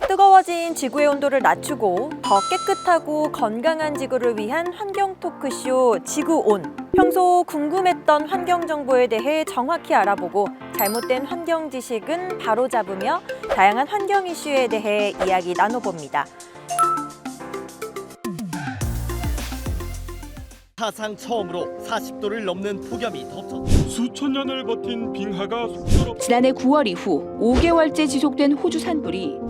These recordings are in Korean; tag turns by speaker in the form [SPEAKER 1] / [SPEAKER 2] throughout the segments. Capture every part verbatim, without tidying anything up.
[SPEAKER 1] 뜨거워진 지구의 온도를 낮추고 더 깨끗하고 건강한 지구를 위한 환경 토크쇼 지구온. 평소 궁금했던 환경 정보에 대해 정확히 알아보고 잘못된 환경 지식은 바로잡으며 다양한 환경 이슈에 대해 이야기 나눠봅니다.
[SPEAKER 2] 사상 처음으로 사십 도를 넘는 폭염이 덮쳤다.
[SPEAKER 3] 수천 년을 버틴 빙하가 속절없...
[SPEAKER 4] 지난해 구월 이후 오 개월째 지속된 호주 산불이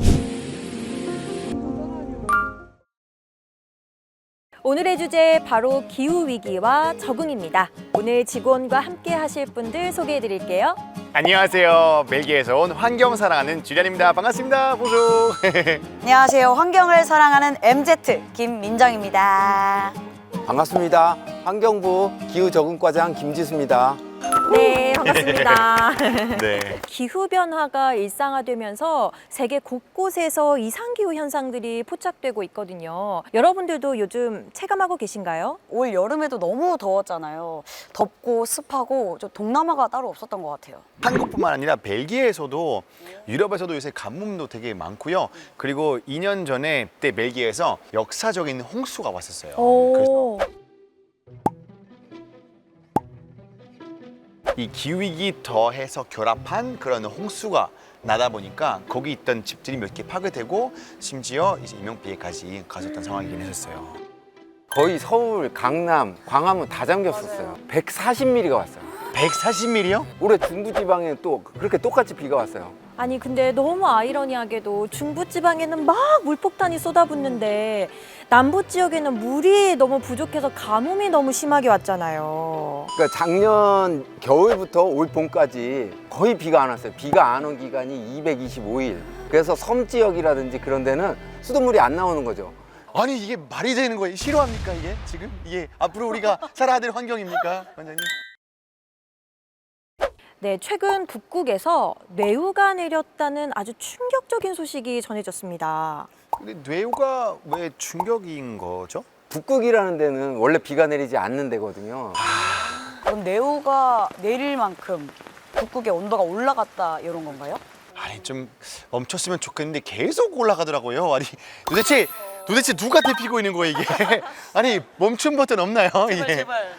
[SPEAKER 1] 오늘의 주제 바로 기후위기와 적응입니다. 오늘 지구온과 함께 하실 분들 소개해 드릴게요.
[SPEAKER 5] 안녕하세요. 벨기에에서 온 환경 사랑하는 주리안입니다. 반갑습니다. 보조.
[SPEAKER 6] 안녕하세요. 환경을 사랑하는 엠제트 김민정입니다.
[SPEAKER 7] 반갑습니다. 환경부 기후적응과장 김지수입니다.
[SPEAKER 1] 네, 반갑습니다.
[SPEAKER 5] 네.
[SPEAKER 1] 기후변화가 일상화되면서 세계 곳곳에서 이상기후 현상들이 포착되고 있거든요. 여러분들도 요즘 체감하고 계신가요?
[SPEAKER 6] 올 여름에도 너무 더웠잖아요. 덥고 습하고 좀 동남아가 따로 없었던 것 같아요.
[SPEAKER 5] 한국뿐만 아니라 벨기에에서도 유럽에서도 요새 가뭄도 되게 많고요. 그리고 이 년 전에 그때 벨기에에서 역사적인 홍수가 왔었어요. 그래서
[SPEAKER 1] 오.
[SPEAKER 5] 이 기후위기 더해서 결합한 그런 홍수가 나다 보니까 거기 있던 집들이 몇 개 파괴되고 심지어 이제 인명피해까지 가졌던 상황이긴 했었어요.
[SPEAKER 7] 거의 서울, 강남, 광화문 다 잠겼었어요. 백사십 밀리미터가 왔어요.
[SPEAKER 5] 백사십 밀리미터요?
[SPEAKER 7] 올해 중부지방에 또 그렇게 똑같이 비가 왔어요.
[SPEAKER 1] 아니 근데 너무 아이러니하게도 중부지방에는 막 물폭탄이 쏟아붓는데 남부 지역에는 물이 너무 부족해서 가뭄이 너무 심하게 왔잖아요.
[SPEAKER 7] 그러니까 작년 겨울부터 올 봄까지 거의 비가 안 왔어요. 비가 안 온 기간이 이백이십오 일. 그래서 섬 지역이라든지 그런 데는 수돗물이 안 나오는 거죠.
[SPEAKER 5] 아니 이게 말이 되는 거예요? 싫어합니까 이게 지금? 이게 앞으로 우리가 살아야 될 환경입니까, 원장님?
[SPEAKER 1] 네, 최근 북극에서 뇌우가 내렸다는 아주 충격적인 소식이 전해졌습니다.
[SPEAKER 5] 근데 뇌우가 왜 충격인 거죠?
[SPEAKER 7] 북극이라는 데는 원래 비가 내리지 않는 데거든요.
[SPEAKER 6] 그럼 네오가 내릴 만큼 북극의 온도가 올라갔다 이런 건가요?
[SPEAKER 5] 아니 좀 멈췄으면 좋겠는데 계속 올라가더라고요. 아니 도대체 도대체 누가 데피고 있는 거예요 이게? 아니 멈춤 버튼 없나요?
[SPEAKER 6] 제발
[SPEAKER 5] 이게?
[SPEAKER 6] 제발.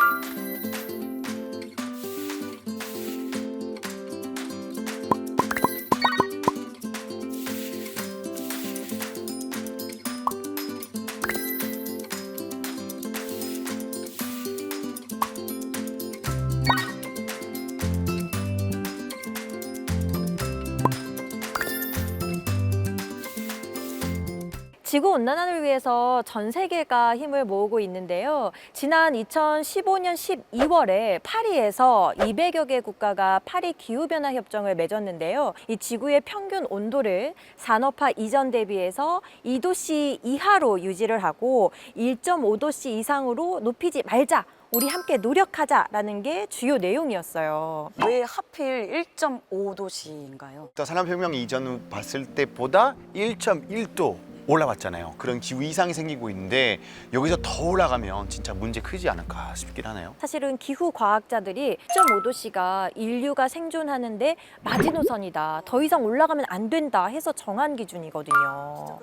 [SPEAKER 1] 지구온난화를 위해서 전 세계가 힘을 모으고 있는데요. 지난 이천십오 년 십이월에 파리에서 이백여 개 국가가 파리 기후변화 협정을 맺었는데요. 이 지구의 평균 온도를 산업화 이전 대비해서 이 도씨 이하로 유지를 하고 일 점 오 도씨 이상으로 높이지 말자. 우리 함께 노력하자라는 게 주요 내용이었어요.
[SPEAKER 6] 왜 하필 일 점 오 도씨인가요?
[SPEAKER 5] 산업혁명 이전 봤을 때보다 일 점 일 도 올라왔잖아요. 그런 기후 이상이 생기고 있는데 여기서 더 올라가면 진짜 문제 크지 않을까 싶긴 하네요.
[SPEAKER 1] 사실은 기후 과학자들이 일 점 오 도씨가 인류가 생존하는데 마지노선이다. 더 이상 올라가면 안 된다 해서 정한 기준이거든요.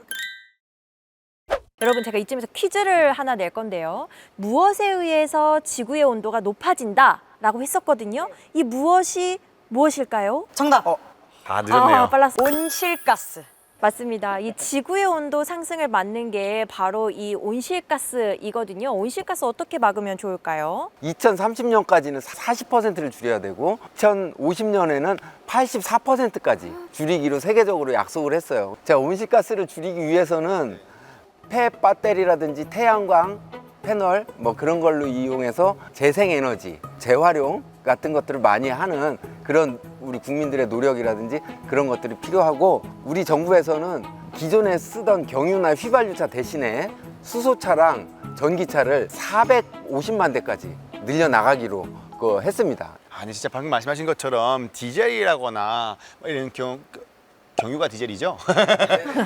[SPEAKER 1] 여러분 제가 이쯤에서 퀴즈를 하나 낼 건데요. 무엇에 의해서 지구의 온도가 높아진다 라고 했었거든요. 이 무엇이 무엇일까요?
[SPEAKER 6] 정답!
[SPEAKER 7] 어.
[SPEAKER 5] 다 늦었네요.
[SPEAKER 1] 아, 빨랐어.
[SPEAKER 6] 온실가스.
[SPEAKER 1] 맞습니다. 이 지구의 온도 상승을 막는 게 바로 이 온실가스이거든요. 온실가스 어떻게 막으면 좋을까요?
[SPEAKER 7] 이천삼십 년까지는 사십 퍼센트를 줄여야 되고 이천오십 년에는 팔십사 퍼센트까지 줄이기로 세계적으로 약속을 했어요. 자, 온실가스를 줄이기 위해서는 폐 배터리라든지 태양광 패널 뭐 그런 걸로 이용해서 재생에너지, 재활용 같은 것들을 많이 하는 그런 우리 국민들의 노력이라든지 그런 것들이 필요하고, 우리 정부에서는 기존에 쓰던 경유나 휘발유차 대신에 수소차랑 전기차를 사백오십만 대까지 늘려나가기로 그 했습니다.
[SPEAKER 5] 아니 진짜 방금 말씀하신 것처럼 디젤이라거나 이런 경 경유가 디젤이죠?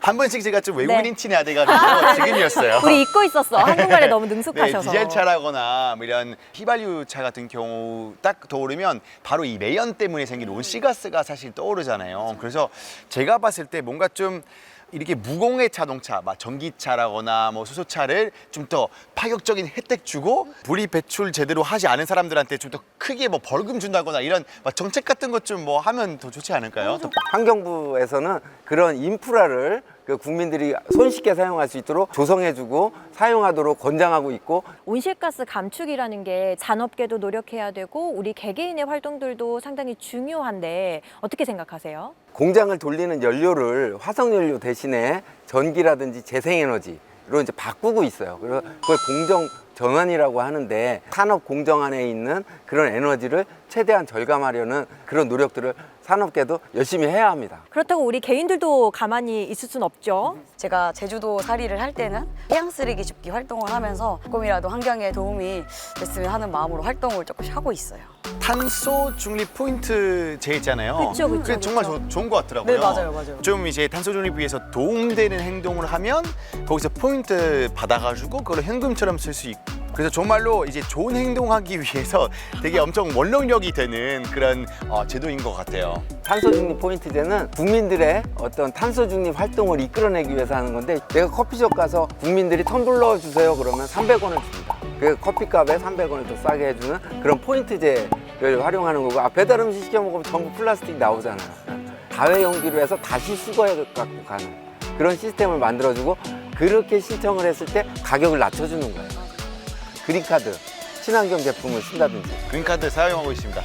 [SPEAKER 5] 한 번씩 제가 좀 외국인
[SPEAKER 1] 네.
[SPEAKER 5] 티내야 돼가지고 지금이었어요.
[SPEAKER 1] 우리 잊고 있었어. 한국말에 너무
[SPEAKER 5] 네,
[SPEAKER 1] 능숙하셔서.
[SPEAKER 5] 디젤 차라거나 뭐 이런 휘발유 차 같은 경우 딱 떠오르면 바로 이 매연 때문에 생긴 온실가스가 사실 떠오르잖아요. 그래서 제가 봤을 때 뭔가 좀 이렇게 무공해 자동차, 막 전기차라거나 뭐 수소차를 좀 더 파격적인 혜택 주고 분리 배출 제대로 하지 않은 사람들한테 좀 더 크게 뭐 벌금 준다거나 이런 막 정책 같은 것 좀 뭐 하면 더 좋지 않을까요? 더
[SPEAKER 7] 환경부에서는 그런 인프라를 그 국민들이 손쉽게 사용할 수 있도록 조성해주고 사용하도록 권장하고 있고,
[SPEAKER 1] 온실가스 감축이라는 게 산업계도 노력해야 되고 우리 개개인의 활동들도 상당히 중요한데 어떻게 생각하세요?
[SPEAKER 7] 공장을 돌리는 연료를 화석연료 대신에 전기라든지 재생에너지로 이제 바꾸고 있어요. 그래서 그걸 공정 전환이라고 하는데, 산업 공정 안에 있는 그런 에너지를 최대한 절감하려는 그런 노력들을 산업계도 열심히 해야 합니다.
[SPEAKER 1] 그렇다고 우리 개인들도 가만히 있을 순 없죠.
[SPEAKER 6] 제가 제주도 살이를 할 때는 해양 쓰레기 줍기 활동을 하면서 조금이라도 환경에 도움이 됐으면 하는 마음으로 활동을 조금씩 하고 있어요.
[SPEAKER 5] 탄소 중립 포인트 제 있잖아요.
[SPEAKER 1] 그쵸, 그쵸,
[SPEAKER 5] 그게 정말
[SPEAKER 1] 그쵸.
[SPEAKER 5] 조- 좋은 것 같더라고요.
[SPEAKER 6] 네, 맞아요, 맞아요.
[SPEAKER 5] 좀 이제 탄소 중립 위해서 도움되는 행동을 하면 거기서 포인트 받아가지고 그걸 현금처럼 쓸 수 있고. 그래서 정말로 이제 좋은 행동하기 위해서 되게 엄청 원동력이 되는 그런 어, 제도인 것 같아요.
[SPEAKER 7] 탄소 중립 포인트제는 국민들의 어떤 탄소 중립 활동을 이끌어내기 위해서 하는 건데, 내가 커피숍 가서 국민들이 텀블러 주세요 그러면 삼백 원을 줍니다. 그 커피값에 삼백 원을 더 싸게 해주는 그런 포인트제를 활용하는 거고, 아, 배달 음식 시켜 먹으면 전부 플라스틱 나오잖아요. 다회용기로 해서 다시 수거해 갖고 가는 그런 시스템을 만들어주고, 그렇게 신청을 했을 때 가격을 낮춰주는 거예요. 그린카드, 친환경 제품을 쓴다든지
[SPEAKER 5] 그린카드 사용하고 있습니다.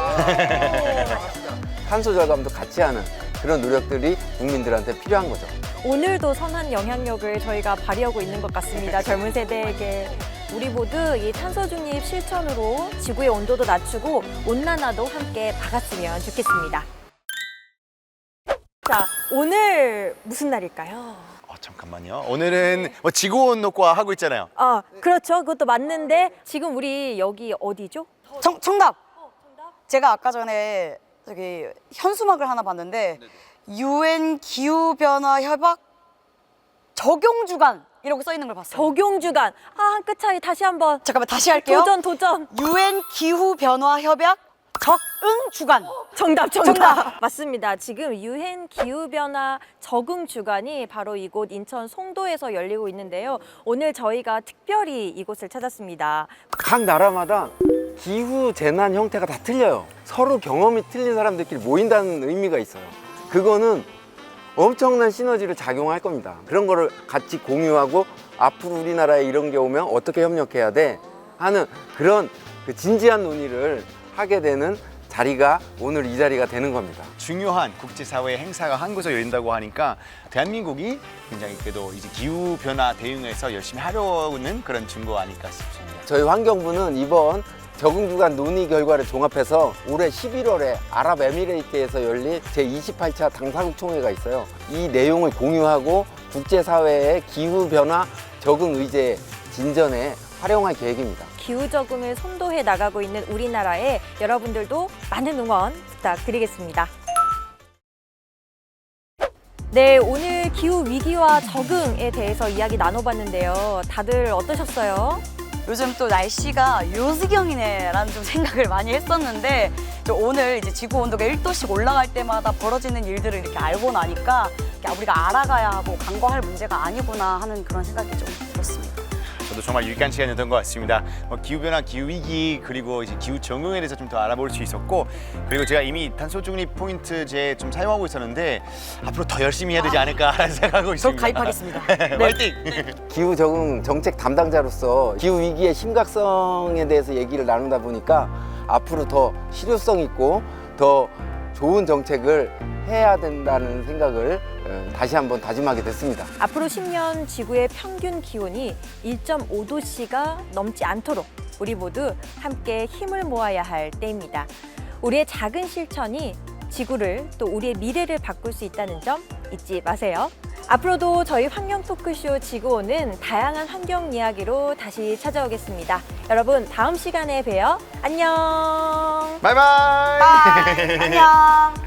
[SPEAKER 7] 탄소 절감도 같이 하는 그런 노력들이 국민들한테 필요한 거죠.
[SPEAKER 1] 오늘도 선한 영향력을 저희가 발휘하고 있는 것 같습니다. 젊은 세대에게. 우리 모두 이 탄소 중립 실천으로 지구의 온도도 낮추고 온난화도 함께 막았으면 좋겠습니다. 자, 오늘 무슨 날일까요?
[SPEAKER 5] 어, 잠깐만요. 오늘은 뭐 지구온난화 하고 있잖아요.
[SPEAKER 1] 아, 그렇죠. 그것도 맞는데 지금 우리 여기 어디죠?
[SPEAKER 6] 정, 정답! 제가 아까 전에 저기 현수막을 하나 봤는데 유엔 기후변화 협약 적용 주간 이렇게 써 있는 걸 봤어요.
[SPEAKER 1] 적용 주간. 아, 한 끗 차이 다시 한번.
[SPEAKER 6] 잠깐만 다시 할게요.
[SPEAKER 1] 도전, 도전.
[SPEAKER 6] 유엔 기후변화 협약 적응 주간.
[SPEAKER 1] 정답, 정답.
[SPEAKER 6] 정답.
[SPEAKER 1] 맞습니다. 지금 유엔 기후변화 적응 주간이 바로 이곳 인천 송도에서 열리고 있는데요. 오늘 저희가 특별히 이곳을 찾았습니다.
[SPEAKER 7] 각 나라마다 기후 재난 형태가 다 틀려요. 서로 경험이 틀린 사람들끼리 모인다는 의미가 있어요. 그거는 엄청난 시너지를 작용할 겁니다. 그런 거를 같이 공유하고 앞으로 우리나라에 이런 게 오면 어떻게 협력해야 돼 하는 그런 그 진지한 논의를 하게 되는 자리가 오늘 이 자리가 되는 겁니다.
[SPEAKER 5] 중요한 국제사회 행사가 한 곳에 열린다고 하니까 대한민국이 굉장히 그래도 이제 기후 변화 대응에서 열심히 하려는 그런 증거 아닐까 싶습니다.
[SPEAKER 7] 저희 환경부는 이번 적응주간 논의 결과를 종합해서 올해 십일월에 아랍에미레이트에서 열릴 제이십팔 차 당사국 총회가 있어요. 이 내용을 공유하고 국제사회의 기후변화 적응 의제 진전에 활용할 계획입니다.
[SPEAKER 1] 기후 적응을 선도해 나가고 있는 우리나라에 여러분들도 많은 응원 부탁드리겠습니다. 네, 오늘 기후 위기와 적응에 대해서 이야기 나눠봤는데요. 다들 어떠셨어요?
[SPEAKER 6] 요즘 또 날씨가 요지경이네라는 좀 생각을 많이 했었는데 저 오늘 이제 지구 온도가 일 도씩 올라갈 때마다 벌어지는 일들을 이렇게 알고 나니까 우리가 알아가야 하고 간과할 문제가 아니구나 하는 그런 생각이 좀 들었습니다.
[SPEAKER 5] 저도 정말 유익한 시간이었던 것 같습니다. 뭐 기후변화, 기후위기, 그리고 이제 기후 적응에 대해서 좀 더 알아볼 수 있었고, 그리고 제가 이미 탄소 중립 포인트제 좀 사용하고 있었는데 앞으로 더 열심히 해야 되지 않을까 생각하고
[SPEAKER 6] 저
[SPEAKER 5] 있습니다.
[SPEAKER 6] 가입하겠습니다.
[SPEAKER 5] 화이팅!
[SPEAKER 7] 기후 적응 정책 담당자로서 기후 위기의 심각성에 대해서 얘기를 나누다 보니까 앞으로 더 실효성 있고 더 좋은 정책을 해야 된다는 생각을 다시 한번 다짐하게 됐습니다.
[SPEAKER 1] 앞으로 십 년 지구의 평균 기온이 일 점 오 도씨가 넘지 않도록 우리 모두 함께 힘을 모아야 할 때입니다. 우리의 작은 실천이 지구를 또 우리의 미래를 바꿀 수 있다는 점 잊지 마세요. 앞으로도 저희 환경 토크쇼 지구온은 다양한 환경 이야기로 다시 찾아오겠습니다. 여러분 다음 시간에 봬요. 안녕.
[SPEAKER 5] 바이바이!
[SPEAKER 6] 안녕.